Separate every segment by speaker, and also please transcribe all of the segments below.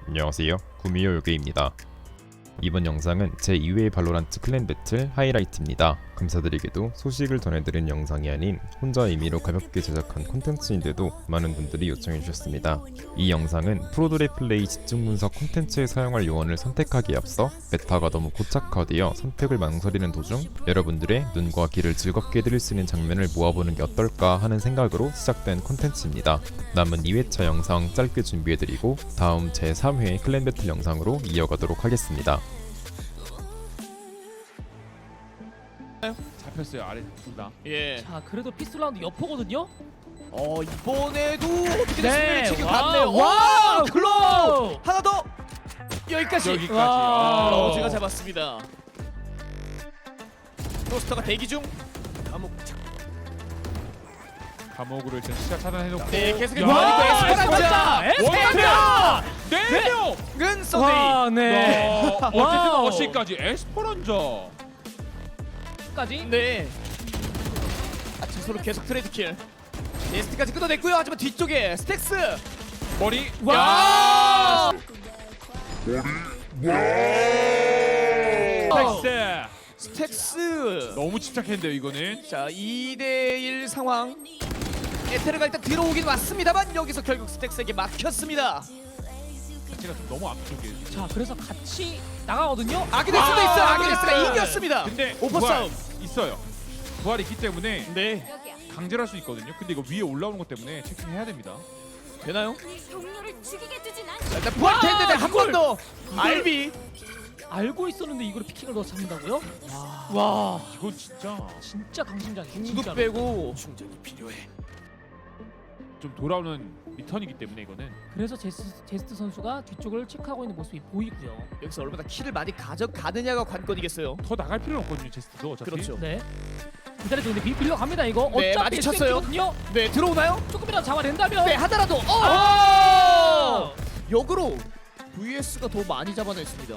Speaker 1: 안녕하세요, 구미호 요괴입니다. 이번 영상은 제2회 발로란트 클랜 배틀 하이라이트입니다. 감사드리게도 소식을 전해드린 영상이 아닌 혼자 임의로 가볍게 제작한 콘텐츠인데도 많은 분들이 요청해주셨습니다. 이 영상은 프로들의 플레이 집중 분석 콘텐츠에 사용할 요원을 선택하기에 앞서 메타가 너무 고착화되어 선택을 망설이는 도중 여러분들의 눈과 귀를 즐겁게 해드릴 수 있는 장면을 모아보는 게 어떨까 하는 생각으로 시작된 콘텐츠입니다. 남은 2회차 영상 짧게 준비해드리고 다음 제3회 클랜 배틀 영상으로 이어가도록 하겠습니다.
Speaker 2: 잡혔어요. 아래 둘 다.
Speaker 3: 예.
Speaker 4: 자, 그래도 피스톨 라운드 여포거든요.
Speaker 3: 이번에도 어떻게 됐습니까?
Speaker 4: 네.
Speaker 3: 지금
Speaker 4: 와,
Speaker 3: 갔네요.
Speaker 4: 와,
Speaker 3: 글로우 하나 더. 여기까지.
Speaker 4: 와.
Speaker 3: 제가 잡았습니다. 로스터가 대기 중.
Speaker 2: 감옥으로 일단 시작 차단해놓고.
Speaker 3: 네, 계속해서
Speaker 4: 와,
Speaker 3: 에스페란자.
Speaker 4: 에스페란자.
Speaker 2: 네 명.
Speaker 3: 은 서데이.
Speaker 4: 와, 네.
Speaker 2: 어쨌든
Speaker 4: 와우.
Speaker 2: 어시까지 에스퍼란자.
Speaker 4: 까지.
Speaker 3: 네. 서로 계속 트레이드 킬. 네스트까지 끊어냈고요. 하지만 뒤쪽에 스택스.
Speaker 2: 머리.
Speaker 3: 와.
Speaker 2: 텍스.
Speaker 3: 스택스.
Speaker 2: 너무 집착했는데요 이거는.
Speaker 3: 자, 2대1 상황. 에테르가 일단 들어오긴 왔습니다만 여기서 결국 스택스에게 막혔습니다.
Speaker 2: 제가 좀 너무 앞쪽이에요.
Speaker 4: 자, 그래서 같이 나가거든요.
Speaker 3: 아기데스도 있어요. 아기데스가 이겼습니다.
Speaker 2: 근데
Speaker 3: 오퍼
Speaker 2: 부활
Speaker 3: 싸움.
Speaker 2: 있어요. 부활이 있기 때문에
Speaker 3: 네.
Speaker 2: 강제를 할 수 있거든요. 근데 이거 위에 올라오는 것 때문에 체킹해야 됩니다.
Speaker 3: 되나요?
Speaker 5: 동료를 죽이게 두진 않.
Speaker 3: 자, 일단 부활됐는데 한 번 더. 알비.
Speaker 4: 알고 있었는데 이걸 피킹을 넣어 잡는다고요? 와,
Speaker 2: 이건 진짜
Speaker 4: 진짜 강심장이에요.
Speaker 3: 궁극
Speaker 4: 진짜로.
Speaker 3: 빼고 충전이 필요해.
Speaker 2: 좀 돌아오는 리턴이기 때문에 이거는.
Speaker 4: 그래서 제스트 선수가 뒤쪽을 체크하고 있는 모습이 보이고요.
Speaker 3: 여기서 얼마나 킬을 많이 가져가느냐가 관건이겠어요.
Speaker 2: 더 나갈 필요는 없거든요 제스트도 어차피.
Speaker 3: 그렇죠.
Speaker 4: 네. 기다려도 근데 밀려 갑니다 이거.
Speaker 3: 네,
Speaker 4: 어차피
Speaker 3: 많이 쳤어요.
Speaker 4: 거든요.
Speaker 3: 네, 들어오나요?
Speaker 4: 조금이라도 잡아낸다면.
Speaker 3: 네, 하더라도.
Speaker 4: 아!
Speaker 3: 역으로 VS가 더 많이 잡아냈습니다.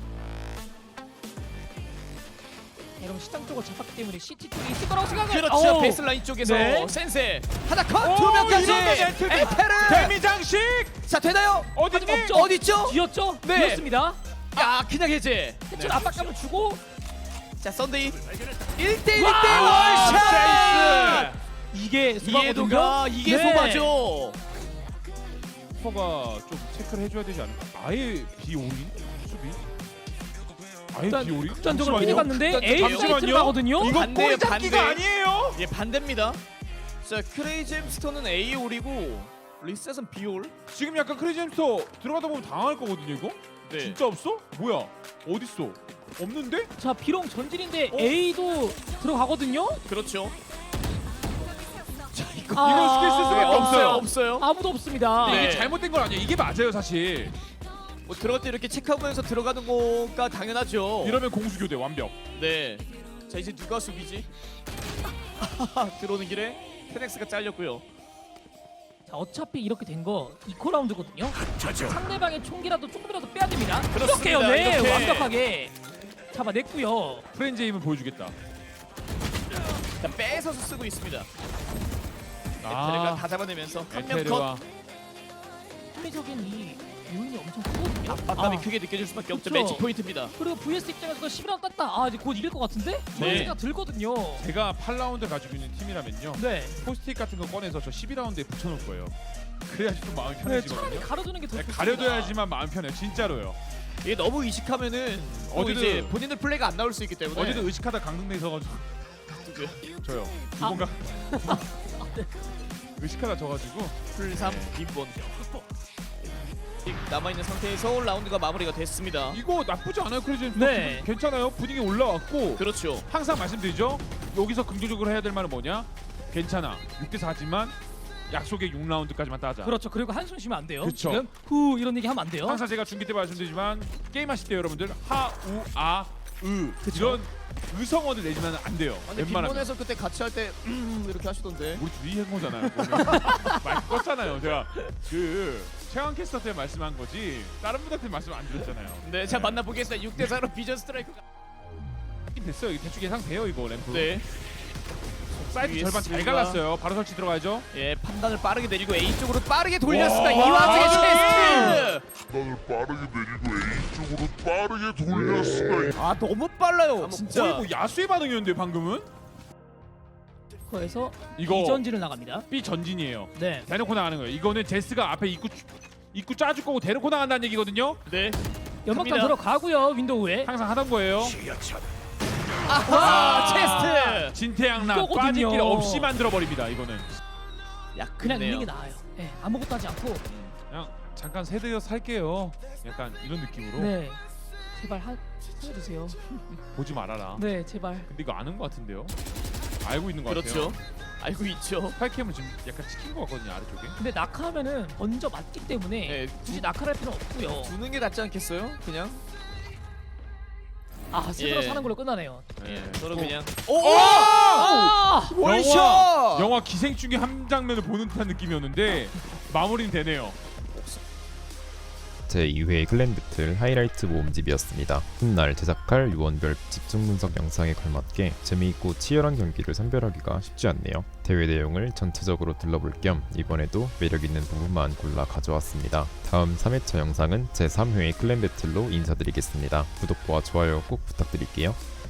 Speaker 4: 이런 시장 쪽을 잡았기 때문에 CT 쪽이 있을 거라고 생각을.
Speaker 3: 그렇죠.
Speaker 4: 어우.
Speaker 3: 베이스라인 쪽에서
Speaker 4: 네.
Speaker 3: 센세 하나 컷, 두 명까지. 에테르.
Speaker 2: 데미장식.
Speaker 3: 자, 되나요?
Speaker 2: 어디니?
Speaker 4: 없죠.
Speaker 3: 어디 있죠?
Speaker 4: 뒤였죠?
Speaker 3: 네.
Speaker 4: 뒤였습니다.
Speaker 3: 야, 그냥 해제.
Speaker 4: 좀 압박감을 주고.
Speaker 3: 자, 썬데이 1대1
Speaker 4: 와,
Speaker 3: 월샷.
Speaker 4: 이게
Speaker 3: 이해도가 이게
Speaker 4: 네.
Speaker 3: 소바죠.
Speaker 2: 퍼가 좀 체크를 해줘야 되지 않을까? 아예 비올인 수비? 아예
Speaker 4: 일단
Speaker 2: 비올인?
Speaker 4: 극단적으로
Speaker 2: 잠시만요.
Speaker 4: 피해 갔는데 A
Speaker 3: 잠시만요.
Speaker 4: 사이트를 가거든요.
Speaker 2: 이거
Speaker 3: 반대예요,
Speaker 2: 골 잡기가
Speaker 3: 반대.
Speaker 2: 아니에요.
Speaker 3: 예, 반대입니다. 자, 크레이지 햄스터는 A 올이고 리셋은 B 올.
Speaker 2: 지금 약간 크레이지 햄스터 들어가다 보면 당할 거거든요 이거?
Speaker 3: 네.
Speaker 2: 진짜 없어? 뭐야? 어딨어? 없는데?
Speaker 4: 자, 비록 전진인데
Speaker 3: 어?
Speaker 4: A도 들어가거든요.
Speaker 3: 그렇죠. 자, 이거
Speaker 2: 이건 스킬 쓸 수밖에 없어요.
Speaker 3: 없어요.
Speaker 4: 아무도 없습니다.
Speaker 3: 네.
Speaker 2: 이게 잘못된 건 아니에요. 이게 맞아요 사실.
Speaker 3: 뭐 들어갈 때 이렇게 체크하면서 들어가는 거가 당연하죠.
Speaker 2: 이러면 공수교대 완벽.
Speaker 3: 네. 자, 이제 누가 수비지? 들어오는 길에 테넥스가 잘렸고요.
Speaker 4: 자, 어차피 이렇게 된 거 이코 라운드거든요. 상대방의 총기라도 조금이라도 빼야 됩니다.
Speaker 3: 그렇습니다.
Speaker 4: 이렇게요, 네,
Speaker 3: 이렇게.
Speaker 4: 완벽하게 잡아냈고요.
Speaker 2: 프렌즈 힘을 보여주겠다.
Speaker 3: 자, 뺏어서 쓰고 있습니다. 에테르가 다 잡아내면서 한 명 컷.
Speaker 2: 에테르와
Speaker 4: 합리적인 이 요인이 엄청 크거든요.
Speaker 3: 압박감이
Speaker 4: 아,
Speaker 3: 크게 느껴질 수밖에 없죠.
Speaker 4: 그쵸.
Speaker 3: 매치 포인트입니다.
Speaker 4: 그리고 VS 입장에서 11라운드 땄다. 아, 이제 곧 이길 것 같은데? 그런
Speaker 3: 네.
Speaker 4: 생각 들거든요.
Speaker 2: 제가 8라운드 가지고 있는 팀이라면요.
Speaker 4: 네.
Speaker 2: 포스트잇 같은 거 꺼내서 저 12라운드에 붙여놓을 거예요. 그래야지 좀 마음이
Speaker 4: 네, 차라리
Speaker 2: 편해지거든요.
Speaker 4: 가려두는 게 더
Speaker 2: 네,
Speaker 4: 좋습니다.
Speaker 2: 가려둬야지만 마음 편해요. 진짜로요.
Speaker 3: 이게 너무 의식하면은
Speaker 2: 어디든-
Speaker 3: 이제 본인들 플레이가 안 나올 수 있기 때문에
Speaker 2: 어제도 의식하다 강등돼 있어가지고
Speaker 3: 누구야?
Speaker 2: 저요. 두
Speaker 4: 아.
Speaker 2: 번가 의식하다 져가지고
Speaker 3: 풀3 빈본 남아있는 상태에서 라운드가 마무리가 됐습니다.
Speaker 2: 이거 나쁘지 않아요. 크레이지
Speaker 4: 네.
Speaker 2: 괜찮아요. 분위기 올라왔고
Speaker 3: 그렇죠.
Speaker 2: 항상 말씀드리죠. 여기서 긍정적으로 해야 될 말은 뭐냐? 괜찮아. 6대 4지만 약속의 6라운드까지만 따자.
Speaker 4: 그렇죠. 그리고 한숨 쉬면 안 돼요.
Speaker 2: 그쵸.
Speaker 4: 지금 후 이런 얘기 하면 안 돼요.
Speaker 2: 항상 제가 중계 때 말씀드리지만 게임하실 때 여러분들 하우아으 이런 의성어를 내지면 안 돼요.
Speaker 3: 근데
Speaker 2: 웬만하면.
Speaker 3: 빈본에서 그때 같이 할 때 이렇게 하시던데.
Speaker 2: 우리 둘이 한 거잖아요. 마이크 껐잖아요. 제가 그 최강 캐스터 때 말씀한 거지 다른 분한테 말씀 안 드렸잖아요.
Speaker 3: 네, 자 만나보겠습니다. 6대4로 비전 스트라이크가.
Speaker 2: 됐어요. 대충 예상돼요 이거 램프.
Speaker 3: 네.
Speaker 2: 사이트 절반 잘 갈랐어요. 바로 설치 들어가야죠.
Speaker 3: 예, 판단을 빠르게 내리고 A 쪽으로 빠르게 돌렸습니다.
Speaker 2: 와,
Speaker 3: 이 와중에
Speaker 2: 와,
Speaker 3: 체스트.
Speaker 6: 판단을 빠르게 내리고 A 쪽으로 빠르게 돌렸으나
Speaker 3: 아, 너무 빨라요. 진짜.
Speaker 2: 거의 뭐 야수의 반응이었는데 방금은.
Speaker 4: 거에서
Speaker 2: 이거
Speaker 4: 이전진을 나갑니다.
Speaker 2: B 전진이에요.
Speaker 4: 네.
Speaker 2: 대놓고 나가는 거예요. 이거는 제스가 앞에 입구 짜줄 거고 대놓고 나간다는 얘기거든요.
Speaker 3: 네.
Speaker 4: 연막탄
Speaker 3: 갑니다.
Speaker 4: 들어가고요. 윈도우에.
Speaker 2: 항상 하던 거예요.
Speaker 3: 아하, 체스트.
Speaker 2: 진태양락
Speaker 4: 이거거든요.
Speaker 2: 빠질 길 없이 만들어 버립니다. 이거는
Speaker 3: 야,
Speaker 4: 그냥
Speaker 3: 그네요.
Speaker 4: 있는 게 나아요. 네, 아무것도 하지 않고.
Speaker 2: 그냥 잠깐 세대여 살게요. 약간 이런 느낌으로
Speaker 4: 네. 제발 살려주세요.
Speaker 2: 보지 말아라.
Speaker 4: 네, 제발.
Speaker 2: 근데 이거 아는 것 같은데요? 알고 있는 것
Speaker 3: 그렇죠.
Speaker 2: 같아요.
Speaker 3: 알고 있죠.
Speaker 2: 스파이캠을 지금 약간 찍힌 것 같거든요, 아래쪽에.
Speaker 4: 근데 낙하하면은 먼저 맞기 때문에
Speaker 3: 네,
Speaker 4: 굳이 낙하할 필요는 없고요.
Speaker 3: 두는 게 낫지 않겠어요? 그냥.
Speaker 4: 아, 스스로
Speaker 3: 예.
Speaker 4: 사는 걸로 끝나네요.
Speaker 2: 네.
Speaker 3: 서로 그냥.
Speaker 4: 아!
Speaker 3: 원샷!
Speaker 2: 영화 기생충의 한 장면을 보는 듯한 느낌이었는데 마무리는 되네요.
Speaker 1: 제2회 클랜 배틀 하이라이트 모음집이었습니다. 훗날 제작할 유언별 집중 분석 영상에 걸맞게 재미있고 치열한 경기를 선별하기가 쉽지 않네요. 대회 내용을 전체적으로 둘러볼 겸 이번에도 매력있는 부분만 골라 가져왔습니다. 다음 3회차 영상은 제3회 클랜 배틀로 인사드리겠습니다. 구독과 좋아요 꼭 부탁드릴게요.